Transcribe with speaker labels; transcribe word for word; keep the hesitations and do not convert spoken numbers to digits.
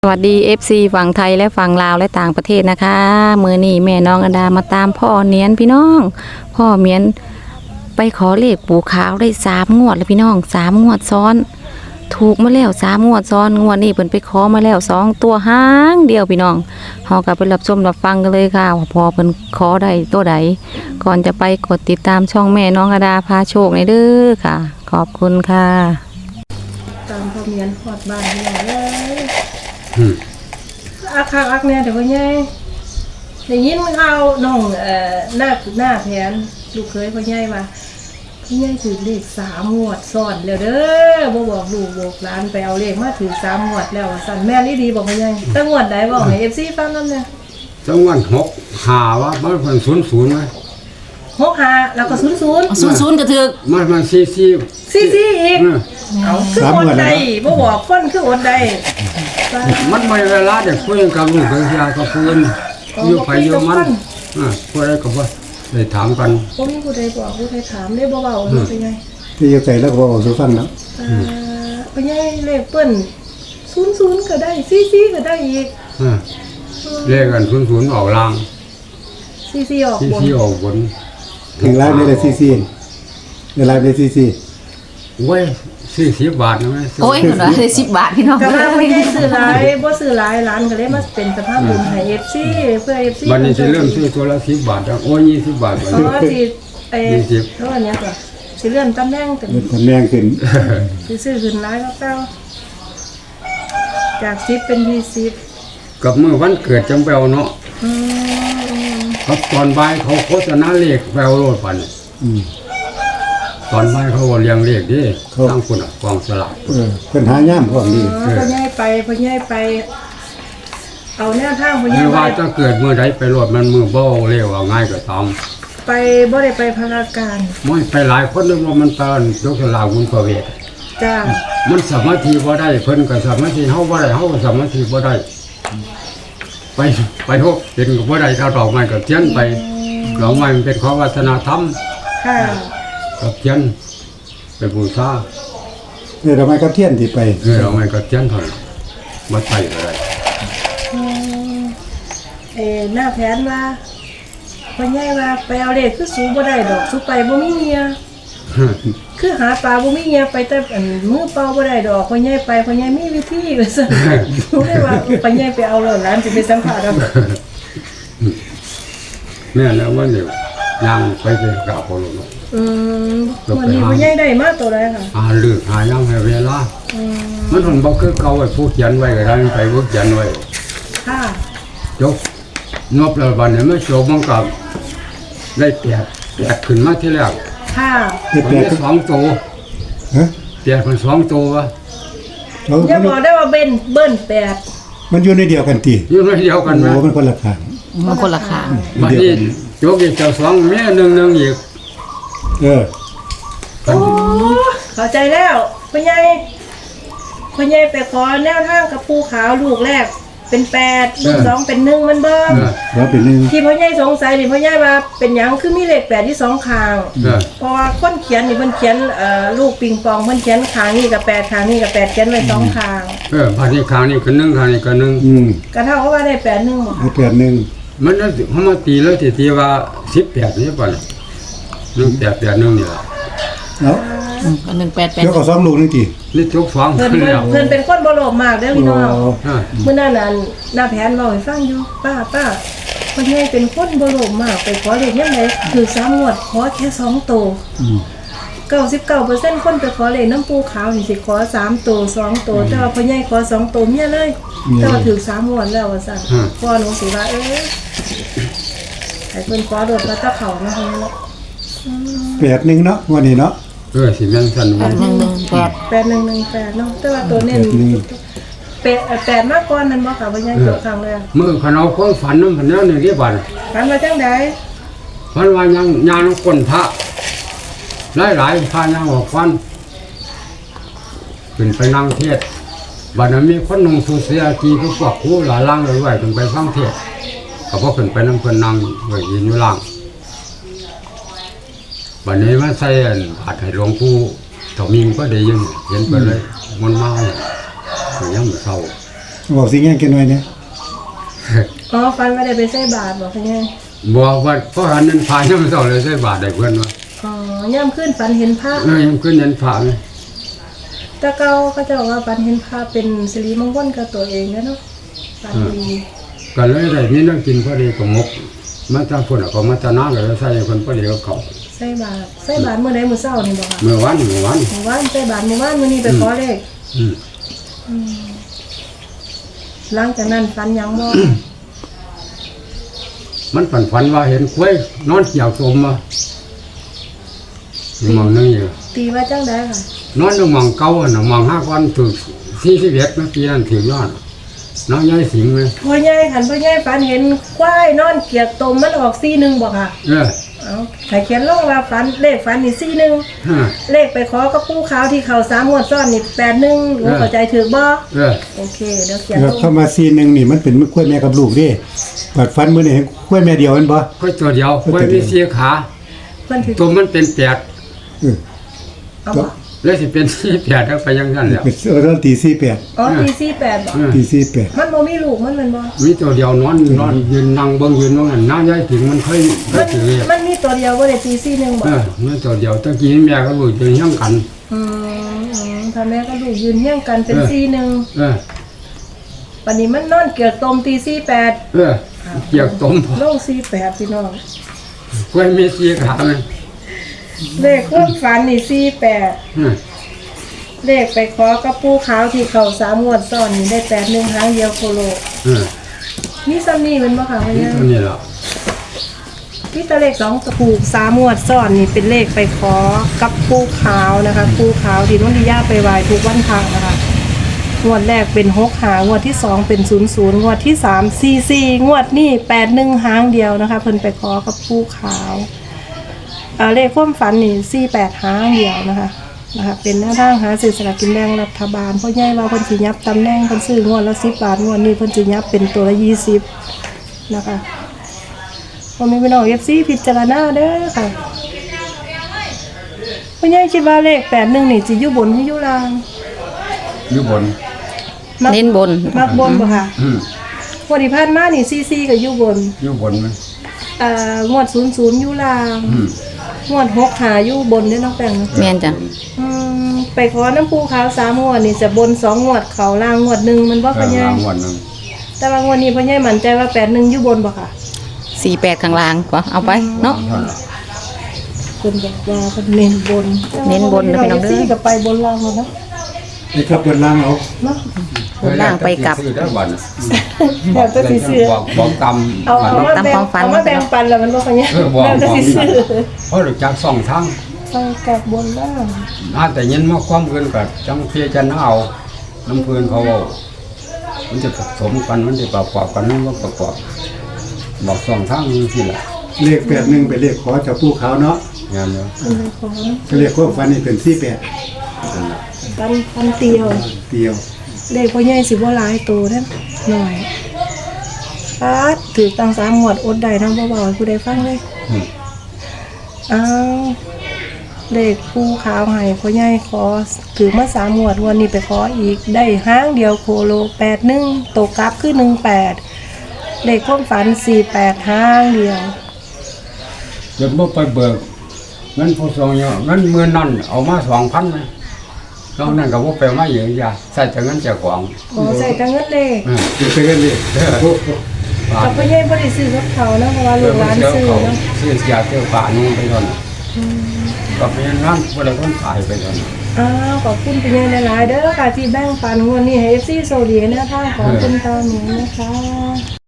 Speaker 1: สวัสดี เอฟ ซี ฝั่งไทยและฝั่งลาวและต่างประเทศนะคะมือนี้แม่น้องอดามาตามพ่อเนียนพี่น้อง พ่อเมียนไปขอเลขปู่ขาวได้สามงวดแล้วพี่น้องสามงวดซ้อน ถูกมาแล้วสามงวดซ้อนงวดนี้เพิ่นไปขอมาแล้วสองตัวห้างเดียวพี่น้องเฮากลับไปรับชมรับฟังกันเลยค่ะว่าพอเพิ่นขอได้ตัวใดก่อนจะไปกดติดตามช่องแม่น้องอดาพาโชคในเด้อค่ะ ขอบคุณค่ะ
Speaker 2: ตามพ่อเมียนพอดบ้านพี่น้องเลยอาคาอักเนี่ยเดี๋ยวพ่อใหญ่ได้ยินข่าวน้องเอ่อหน้าหน้าแผนลูกเคยพ่อใหญ่ว่าพ่อใหญ่ถือเลขสามงวดซ้อนแล้วเด้อบ่บอกลูกบอกหลานไปเอาเลขมาถือสามงวดแล้วสั่นแม่นอีดีบอกพ่อใหญ่ตั้งงวดใดบอกให้ เอฟ ซี ฟังนำเนี่ย
Speaker 3: จังหวัดหกหาว่ามันเป็นศูนย์ศูนย์ไหม
Speaker 2: หกห้าแล้วก็ศูนย์ศูนย์
Speaker 1: ศูนย์ศูนย์ก็ถึก
Speaker 3: มันมันซีซี
Speaker 2: ซีซีอีกเอาคืออดใดบ่บอกคนคืออดใด
Speaker 3: มันไม่เวลาเด็กคุยกับลูกกับยากับเพื่อนอยู่ไปอยู่มันอ่าคุยกับว่าได้ถามกัน
Speaker 2: ผมมีผู้ใดบอกผู้ใดถามได้เบาๆเป็นไง
Speaker 4: ที่จะใส่แล้วก็บอกสู่ฟังนะ
Speaker 2: อ่าเป็นไงเลขเปิ้นศูนย์ศูนย์ก็ได้ซีซีก็ได้อีก
Speaker 3: อ่าเลขกันศูนย์ศูนย์ออกล่าง
Speaker 2: ซีซีออก
Speaker 3: บนซีซีออกบน
Speaker 4: ถึงไลฟ์ในแต่ซีซีในไลฟ์ในซีซี
Speaker 3: เว้ยสี่สิบบาทนะไหม
Speaker 1: โอ้ยหนูได้สิบบาทพี่น้อง
Speaker 2: ก็ว่าไม่ได้ซื้อหลายบ่ซื้อหลายร้านก็เลยมาเป็นสภาพบุญให้ เอฟ ซี เพื่อ เอฟ ซี
Speaker 3: วันนี้จะเริ่มซื้อตัวละสิบบาทโอ้ยยี่สิบบาท
Speaker 2: อ๋อสิเอ่อเท่านี้ก็สิเลื่อนตำแหน่งเป็น
Speaker 4: ตำแหน่งขึ้น
Speaker 2: สิซื้อขึ้นหลายก็เก่าจากสิบเป็นยี่สิบ
Speaker 3: กับเมื่อวันเกิดจำเปาเนาะอืมครับตอนบ่ายเขาโฆษณาเลขแปลโลดปันอืมตอนไม่เขาเลี้ยงเลขดิตั้งคนอ่ะกองสลาก
Speaker 4: เออเป็นหาย่ามพวกนี้
Speaker 2: พอใหญ่ไปพอใหญ่ไปเอาแนวทางพอใหญ่
Speaker 3: ไม่ว่าจะเกิดเมื่อใดไปรถมันมือเบ้าเร็วง่ายกว่าตอง
Speaker 2: ไปบ่ได้ไปพาราการ
Speaker 3: ไม่ไปหลายคนเลยว่ามันตอนยกสลากคุณประเวท
Speaker 2: จ้า
Speaker 3: มันสมาธิบ่ได้เพิ่นกับสมาธิเฮาบ่ได้เฮาสมาธิบ่ได้ไปไปทุกเป็นกับบ่ได้ถ้าดอกไม้กับเทียนไปดอกไม้มันเป็นของวัฒนธรรม
Speaker 2: ค่ะ
Speaker 3: กับเทียนไปบูชา
Speaker 4: เออทำไมกับเทียนที่ไป
Speaker 3: เออดอกไม้กับเทียนเท่านั้นบ่ใช่อะไร
Speaker 2: เอ่อหน้าแผนว่าพ่อใหญ่ว่าไปเอาเลขคือสูบ่ได้ดอกสูไปบ่มีเมียคือหาปลาบ่มีเมียไปแต่อันมือเปล่าบ่ได้ดอกพ่อใหญ่ไปพ่อใหญ่มีวิธีว่าซั่นรู้ได้ว่าพ่อใหญ่ไปเอาแล้วหลานสิไปสัมภาษณ์เอา
Speaker 3: แม่แล้วว่าเดี๋ยวยังไปไปกราบพ่อหลวง
Speaker 2: อืมวันนี้พ่อใหญ่ได้มาตัวใดค่ะ
Speaker 3: หาเลือกหายังให้เวลาอืมมันถึงบ่คือเก่าไว้ผู้เขียนไว้ก็ได้ไปผู้เขียนไว้
Speaker 2: ค่ะ
Speaker 3: จบงบแล้วบัดนี้มันจบมันก็ได้แปดแปดขึ้นมาที่แรก
Speaker 2: ค่ะ
Speaker 3: มันได้สองตัวฮะแปดมันสองตัววะ
Speaker 2: อย่าบอกได้ว่าเบิ้นเบิ้นแปด
Speaker 4: มันอยู่ในเดียวกันติ
Speaker 3: อยู่ในเดียวกัน
Speaker 4: โอ้มันคนละข้าง
Speaker 1: มันคนละข้าง
Speaker 3: บัดนี้จบอีกเจ้าสองแม่หนึ่งหนึ่งอีก
Speaker 4: เออ
Speaker 2: โอ้เข้าใจแล้วพ่อใหญ่พ่อใหญ่ไปขอแนวทางกับปูขาวลูกแรกเป็นแปดลูกสองเป็นหนึ่งมันเบิ่ม
Speaker 4: แล้วเป็นหนึ่ง
Speaker 2: ที่พ่อใหญ่สงสัยนี่พ่อใหญ่ว่าเป็นหยังคือมีเลขแปดที่สองข้างเพราะว่าคนเขียนนี่เพิ่นเขียนเอ่อลูกปิงปองเพิ่นเขียนข้างนี่กับแปดข้างนี่กับแปดเขียนไว้สองข้าง
Speaker 3: เออบัดนี้ข้างนี้ก็หนึ่งข้างนี้ก็หนึ่ง
Speaker 4: อืม
Speaker 2: ก็เท่ากับว่าได้แปดหนึ่งบ่
Speaker 4: ได้แปดหนึ่ง
Speaker 3: มันน่ะเฮามาตีแล้วที่ที่ว่าสิบแปดนี่ป่ะหนึ่งแปดแปดหนึ่งนี่ล่ะ
Speaker 4: เนาะ
Speaker 1: อันหนึ่งแปดแปด
Speaker 4: แล้วก็สองลูกนึงติ
Speaker 3: นี่จกสอง
Speaker 2: เพิ่นเพิ่นเป็นคนบ่โลภมากเด้อพี่น้องมื้อนั้นน่ะหน้าแผนเว้าให้ฟังอยู่ป้าป้าพ่อใหญ่เป็นคนบ่โลภมากไปขอเลขยามใดคือสามงวดขอแค่สองตัวอืมเก้าสิบเก้าเปอร์เซ็นต์ คนไปขอเลขน้ำปูขาวนี่สิขอสามตัวสองตัวแต่ว่าพ่อใหญ่ขอสองตัวเมียเลยแต่ว่าถือสามงวดแล้วว่าซั่นพ่อหนูสิว่าเอ้ยให้เพิ่นขอโดดมาตะเขาเนาะเนาะ
Speaker 4: แปดหนึ่งเนาะวันนี้เนาะ
Speaker 3: เออสิแม่นซั่น
Speaker 1: แปดหนึ่งหนึ่งแปด
Speaker 2: แปดหนึ่งหนึ่งแปดเนาะแต่ว่าตัวเน้นแปดแปดมากกว่านั้นบ่ค่ะพ่อใหญ่จบครั้งแล้ว
Speaker 3: มื้อคันเอาความฝันนำพันแล้วนี่เรียบร้อย
Speaker 2: ฝันว่าจังได๋
Speaker 3: ฝันว่ายังยานคนพระหลายๆพายังออกฟันขึ้นไปนั่งเทศบัดนั้นมีคนนุ่งสูทเสียกีคือพวกครูหลายล่างเลยไว้ขึ้นไปฟังเทศก็พอขึ้นไปนำเพิ่นนั่งไว้ยืนอยู่ล่างบัดนี้มาใส่อันบาดให้หลวงปู่เฒ่ามิงก็ได้ยินเห็นเพิ่นเลยมันมาอย่างยังเศร้า
Speaker 4: บอกสิแง่กันหน่อยเนี่ย
Speaker 2: อ๋อฟันไม่ได้ไปใส่บาทบอกเป็นไง
Speaker 3: บอกว่าเพราะหันนั้นพายังไม่ต้องเลยใส่บาทได้เพื่อนว่า
Speaker 2: อ๋อย่ำขึ้นฟันเห็นพระ
Speaker 3: เออยังขึ้นยันผ่าเลย
Speaker 2: แต่เก่าก็จะบอกว่าฟันเห็นพระเป็นสิริมงคลกับตัวเองนะเนาะฟันดี
Speaker 3: ก็เลยได้นี่นั่งกินพอดีกับมกมาตาฝุ่นก็มาตาน้าก็ใส่คนพอดีกับเขา
Speaker 2: ใส่บาทใส่บาทเมื่อใดมื้อเช้านี่บอกค่ะ
Speaker 3: เมื่อวันเมื่อวัน
Speaker 2: เมื่อวานใส่บาทเมื่อวานมื้อนี้ไปขอเลข
Speaker 3: อืม
Speaker 2: หลังจากนั้นฟันยังบ่
Speaker 3: มันฝันฝันว่าเห็นกล้วยนอนเกี่ยวสมมาอยู่หมองนึงอยู่
Speaker 2: ตีว่าจังได๋ค่ะ
Speaker 3: นอนอยู่หมองเก่าอ่ะนะหมองห้าวันถึงสี่สิบเอ็ดนะปีนั้นถึงยอดน้องย้ายสิงเลย
Speaker 2: พ่อใหญ่คันพ่อใหญ่ฟันเห็นควายนอนเกียกตมมันออกสี่หนึ่งบ่ค่ะ
Speaker 3: เออ
Speaker 2: เอาถ้าเขียนลงว่าฟันเลขฟันนี่สี่หนึ่ง
Speaker 3: ฮะ
Speaker 2: เลขไปขอกับปู่ขาวที่เขาสามงวดซ้อนนี่แปดหนึ่งหนูเข้าใจถูกบ่
Speaker 3: เออ
Speaker 2: โอเคเดี๋ยวเขียน
Speaker 4: แล้
Speaker 2: ล
Speaker 4: ว
Speaker 2: ง
Speaker 4: เข้ามาซีหนึงนี่มันเป็นกล้วยแม่กับลูกเด้บัดฟันมื้อนี่เห็นกล้วยแม่เดียวแม่นบ่
Speaker 3: กล้วยตัวเดียวกล้วยมีสี่ขา
Speaker 2: เพิ่นถือ
Speaker 3: ตัวมันเป็นแปด
Speaker 4: เออ
Speaker 2: เอาบ่
Speaker 3: แล้วสิเป็นสี่แปดแล้วไปยังนั้นแล้ว
Speaker 4: เป็นเออตอนตีสี่แปด
Speaker 2: อ๋อตีสี่แปดบ่
Speaker 3: เออ
Speaker 4: ตีสี่แปด
Speaker 2: มันบ่มีลูกมันแม่นบ่
Speaker 3: มีตัวเดียวนอนนอนยืนนั่งเบิ่งยืนว่างั้นน้าย้ายสิงมันเคยเค
Speaker 2: มั
Speaker 3: ย
Speaker 2: น
Speaker 3: ถือเลย
Speaker 2: มันมีตัวเดียวบ่ได้ตีสี่หนึ่งบ่
Speaker 3: เออมีตัวเดียวตะกี้แม่ก็รู้จะยังกัน
Speaker 2: อืมอืมถ้าแม่ก็ลูกยืนเฮี้ยงกันเป็น
Speaker 3: เออ
Speaker 2: สี่หนึ่ง
Speaker 3: เออ
Speaker 2: วันนี้มันนอนเกียกตมตีสี่แปด
Speaker 3: เออเกี่ยวต้มพอ
Speaker 2: ลงสี่แปดพี่น้อง
Speaker 3: กล้วยมีสี่ขาเลย
Speaker 2: เลขความฝันนี่สี่แปด
Speaker 3: เออ
Speaker 2: เลขไปขอกับปูขาวที่เขาสามงวดซ้อนนี่ได้แปดหนึ่งครั้งเดียวโคโล
Speaker 3: เออ
Speaker 2: นี่ซัมนี่เป็นบ่ค่ะพะ
Speaker 3: นี่
Speaker 2: เนี่ย
Speaker 3: เท่านี้แหละ
Speaker 2: พี่ตะเลขสองตะปูสามงวดซ้อนนี่เป็นเลขไปขอกับปูขาวนะคะปูขาวที่น้องดิยาไปไหว้ทุกวันพระนะคะงวดแรกเป็นหกหางวดที่สองเป็นศูนย์ศูนย์งวดที่สามสี่สี่งวดนี่แปดหนึ่งหางเดียวนะคะ เพิ่นไปขอกับปูขาวอ่าเลขความฝันนี่สี่แปดหางเดียวนะคะนะคะเป็นหน้าทางหาซื้อสลากกินแบ่งรัฐบาลเพราะใหญ่ว่าเพิ่นสิยับตำแหน่งเพิ่นซื้องวดละสิบบาทงวดนี้เพิ่นสิยับเป็นตัวละยี่สิบนะคะผมมีพี่น้อง เอฟ ซี พิจารณาเด้อค่ะพ่อใหญ่คิดว่าเลขแปดหนึ่งนี่สิอยู่บนหรืออยู่ล่าง
Speaker 3: อยู่บน
Speaker 2: มัก
Speaker 1: เน้นบน
Speaker 2: มักบนบ่ค่ะ
Speaker 3: อืม
Speaker 2: งวดที่ผ่านมานี่ซีซีก็อยู่บน
Speaker 3: อยู่บนไหม
Speaker 2: เอ่องวดศูนย์ศูนย์อยู่ล่าง
Speaker 3: อืม
Speaker 2: งวดหกหาอยู่บนเด้อน้องแป้งเนาะ
Speaker 1: แม่นจ้ะ
Speaker 2: อืมไปขอน้ำปูขาวสามงวดนี่จะบนสองงวดเขาล่างงวดหนึ่งมันบ่
Speaker 3: เอ
Speaker 2: พ่อ
Speaker 3: อ
Speaker 2: ใหญ่
Speaker 3: รางวัลหนึง
Speaker 2: แต่ว่างวดนี้พ่อใหญ่มั่นใจว่าแปดหนึ่งอยู่บนบ่ค่ะ
Speaker 1: สี่แปดข้างล่างกว่าเอาไปเนาะ
Speaker 3: เท่านั้น
Speaker 2: เพิ่นบอกว่าเพิ่นเน้นบน
Speaker 1: เน้นบนนะพี่น้องเด้อ
Speaker 2: ซีก็ไปบนล่างแล้วเนาะ
Speaker 4: นี่ครับเปิดล่างเอา
Speaker 2: เนาะ
Speaker 1: บนล่างไปกลับ
Speaker 3: ซื้อได้บัดน่ะ
Speaker 2: แล้วแต่สิซื้อ
Speaker 3: บอกบอกกรรม
Speaker 2: เอาเอามา
Speaker 1: ตาม
Speaker 2: แบ่
Speaker 1: ค
Speaker 2: ง
Speaker 1: วามฝัน
Speaker 2: เอามาแบ่งปันแล้วมันบ่ค่อยเนี่ย
Speaker 3: เออบอก
Speaker 2: แล้วแต่
Speaker 3: บอก
Speaker 2: สิซื้อ
Speaker 3: เพราะรู้จักสองทาง
Speaker 2: ไปกลับบนล่าง
Speaker 3: น่าแต่ยินมาความเกินกับจังเพียจะน่าเอาน้ำเพื่อนเขาเอามันจะผสมกันมันจะประกอบกันมันก็ประกอบบอกสองทางนี้สิแหละ
Speaker 4: เลขแปดหนึ่งเป็นเลขขอจากผู้ขาวเนาะ
Speaker 3: งานเนาะ
Speaker 2: มันเลยของ
Speaker 4: ก็เลขความฝันนี่เป็นสี่แปด
Speaker 3: นั่นแหละ
Speaker 2: ปันปันเตียว
Speaker 4: เดียว
Speaker 2: เลขพ่อใหญ่สิบ่หลายโตเด้อหน่อยปาดถือตังสามหมวดอดได้ทั้งเบาๆให้ผู้ใดฟังเลย
Speaker 3: อืม
Speaker 2: อ้าวเลขปูขาวให้พ่อใหญ่ขอถือมาสามหมวดวันนี้ไปขออีกได้ห้างเดียวโคโลแปดหนึ่งตกกลับคือหนึ่งแปดเลขความฝันสี่แปดห้างเดียว
Speaker 3: เดี๋ยวบ่ไปเบิกเงินผู้ทรงเยอะเงินเมื่อนั่นเอามาสองพันเลยตอนนั้นก็บ่ไปมาเยอะอย่าใส่แต่เงินเจ้าของ
Speaker 2: ขอใส่ตังเงินเลข
Speaker 3: เออ
Speaker 4: เดี๋ยวไปกันเลยโอ้โห
Speaker 3: บา
Speaker 2: กั
Speaker 3: ท
Speaker 2: บพ่อใหญ่บ่ได้ซื้อกับเขานะเพราะว่าลูกหลาน
Speaker 3: เดี๋ยว
Speaker 2: ซื้อ
Speaker 3: เขา
Speaker 2: เนาะ
Speaker 3: ซื้อเสียเที่ยวป่านุ่งไปก่อนก็เป็นนั้นบ่ได้คนขายไปก่อน
Speaker 2: อ้าวขอบคุณเป็นยังหลายๆเด้อค่ะที่แบ่งปันงวดนี้ให้ เอฟ ซี โซดีแนวทางของคุณตาหนูนะคะ